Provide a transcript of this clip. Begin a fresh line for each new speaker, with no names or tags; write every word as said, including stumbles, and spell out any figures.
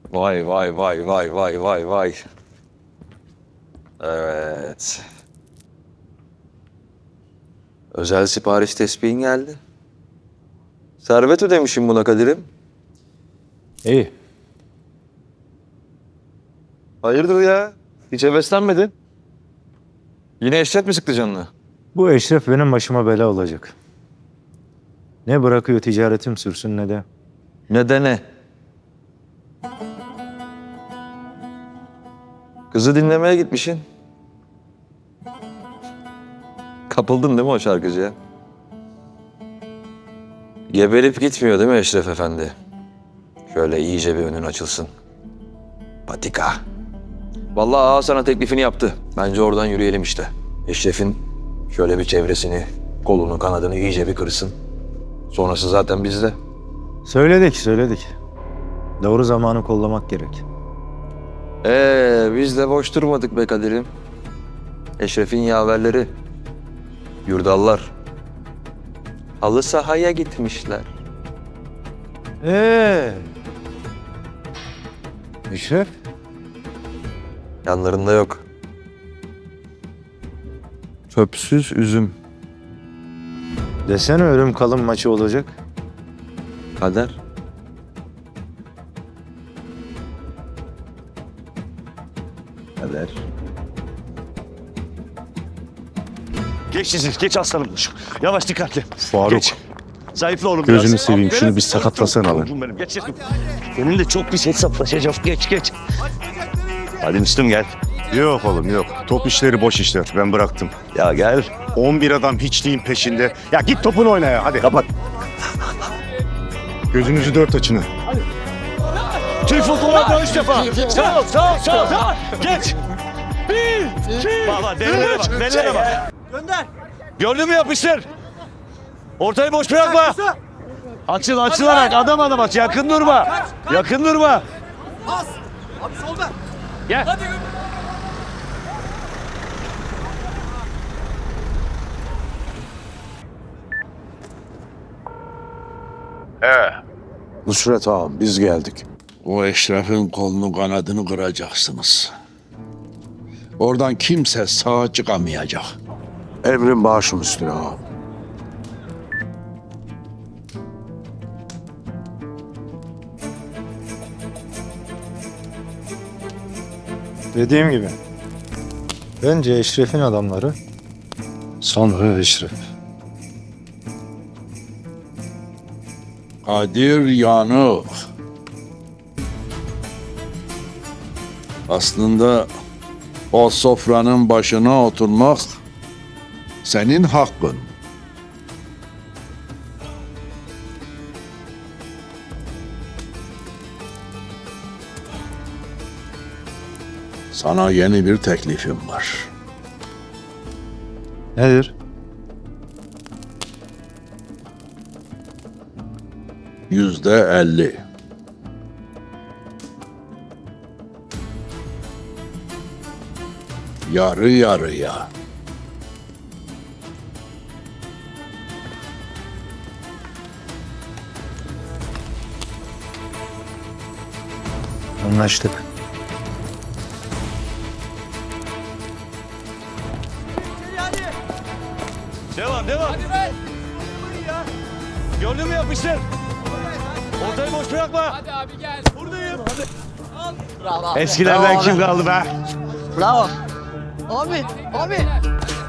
Vay vay vay vay vay vay vay. Evet. Özel sipariş tespihin geldi. Servet ödemişim buna Kadir'im.
İyi.
Hayırdır ya? Hiç heveslenmedin. Yine Eşref mi sıktı canını?
Bu Eşref benim başıma bela olacak. Ne bırakıyor ticaretim sürsün ne de.
Ne de ne? Kızı dinlemeye gitmişsin. Kapıldın değil mi o şarkıcıya? Geberip gitmiyor değil mi Eşref Efendi? Şöyle iyice bir önün açılsın. Patika. Vallahi ağa sana teklifini yaptı. Bence oradan yürüyelim işte. Eşref'in şöyle bir çevresini, kolunu, kanadını iyice bir kırsın. Sonrası zaten bizde.
Söyledik söyledik. Doğru zamanı kollamak gerek.
Ee, biz de boş durmadık be Kadir'im. Eşref'in yaverleri, yurdallar. Halı sahaya gitmişler.
Ee. Eşref?
Yanlarında yok. Çöpsüz üzüm.
Desene ölüm kalım maçı olacak.
Kader.
Kader.
Geç siz, geç aslanım. Yavaş dikkatli.
Faruk.
Geç. Zayıfla oğlum
Gözünü
biraz.
seveyim, şunu bir
Aferin.
sakatlasana lan.
Oğlum benim, Geç geç. Senin de çok pis hesaplaşacağız. Geç geç. Hadi Müslüm gel.
Yok oğlum yok. Top işleri boş işler. Ben bıraktım.
Ya gel.
on bir adam hiçliğin peşinde. Ya git topunu oyna ya hadi.
Kapat.
Gözünüzü dört açın ha.
Türk futboluna üç defa. Sağ ol, sağ ol, sağ ol. Geç. Bir, iki, baba dellere bak, dellere bak. Gönder. Gördün mü yapıştır. Ortayı boş bırakma. Açıl, açılarak adam adam aç. Yakın durma. Yakın durma.
Pas. Abi solda.
Gel.
Hadi.
Nusret ağam biz geldik.
O Eşref'in kolunu kanadını kıracaksınız. Oradan kimse sağ çıkamayacak.
Emrin başım üstüne ağam.
Dediğim gibi. Bence Eşref'in adamları sonra Eşref.
Kadir yanık. Aslında o sofranın başına oturmak senin hakkın. Sana yeni bir teklifim var.
Nedir?
Yüzde elli. Yarı yarıya.
Anlaştık.
Devam, devam.
Hadi be.
Gördün mü yapıştır. Ortayı boş bırakma.
Hadi abi gel.
Buradayım. Hadi.
Bravo abi.
Eskilerden kim kaldı be?
Bravo. Abi. Abi.